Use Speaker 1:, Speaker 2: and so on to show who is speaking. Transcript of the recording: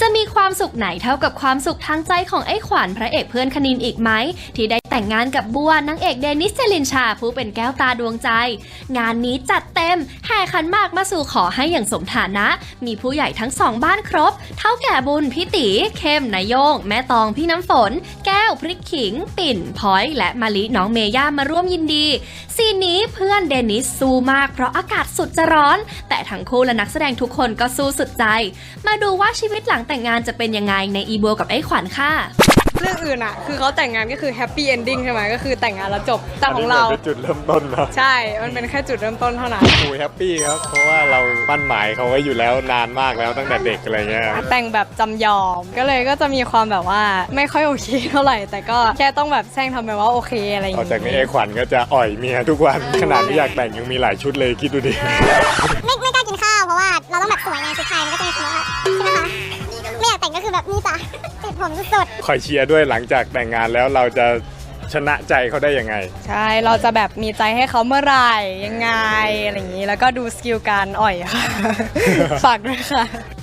Speaker 1: จะมีความสุขไหนเท่ากับความสุขทางใจของไอ้ขวัญพระเอกเพื่อนคณินอีกไหมที่ได้แต่งงานกับบัวนางเอกเดนิสเจลินชาผู้เป็นแก้วตาดวงใจงานนี้จัดเต็มแห่ขันหมากมาสู่ขอให้อย่างสมฐานะมีผู้ใหญ่ทั้งสองบ้านครบเท่าแก่บุญพี่ตีเข้มนายโยงแม่ตองพี่น้ำฝนแก้วพริกขิงปิ่นพอยและมะลิน้องเมย่ามาร่วมยินดีซีนนี้เพื่อนเดนิสสู้มากเพราะอากาศสุดจะร้อนแต่ทั้งคู่และนักแสดงทุกคนก็สู้สุดใจมาดูว่าชีวิตหลังแต่งงานจะเป็นยังไงในอีบัวกับไอ้ขวัญค่ะ
Speaker 2: เรื่องอื่นอะคือเขาแต่งงานก็คือแฮปปี้เอนดิ้งใช่ไหมก็คือแต่งงานแล้วจบแต่ของเรา
Speaker 3: เป็นจุดเริ่มต้นนะ
Speaker 2: ใช่มันเป็นแค่จุดเริ่มต้นเท่านั้น
Speaker 3: คุยแฮปปี้ครับเพราะว่าเรามั่นหมายเขาไว้อยู่แล้วนานมากแล้วตั้งแต่เด็กอะไรเงี้ย
Speaker 2: แต่งแบบจำยอมก็จะมีความแบบว่าไม่ค่อยโอเคเท่าไหร่แต่ก็แค่ต้องแบบแซงทำไปว่าโอเคอะไรอย่าง
Speaker 3: เงี้
Speaker 2: ย
Speaker 3: จากนี้ไอ้ขวัญก็จะอ่อยเมียทุกวันขนาดไม่อยากแต่งยังมีหลายชุดเลยคิดดูดิ
Speaker 4: ไม่กล้ากินข้าวเพราะว่าเราต้องแบบสวยไงชุดไทยมันก็จะมีคำว่าใช่ไหมคะไม่อยากแต่งก็คือแบบนี่จ้ะติดผมสุด
Speaker 3: คอยเชียร์ด้วยหลังจากแต่งงานแล้วเราจะชนะใจเขาได้ยังไง
Speaker 2: ใช่เราจะแบบมีใจให้เขาเมื่อไหร่ยังไงอะไรอย่างนี้แล้วก็ดูสกิลการอ่อยค่ะฝากด้วยค่ะ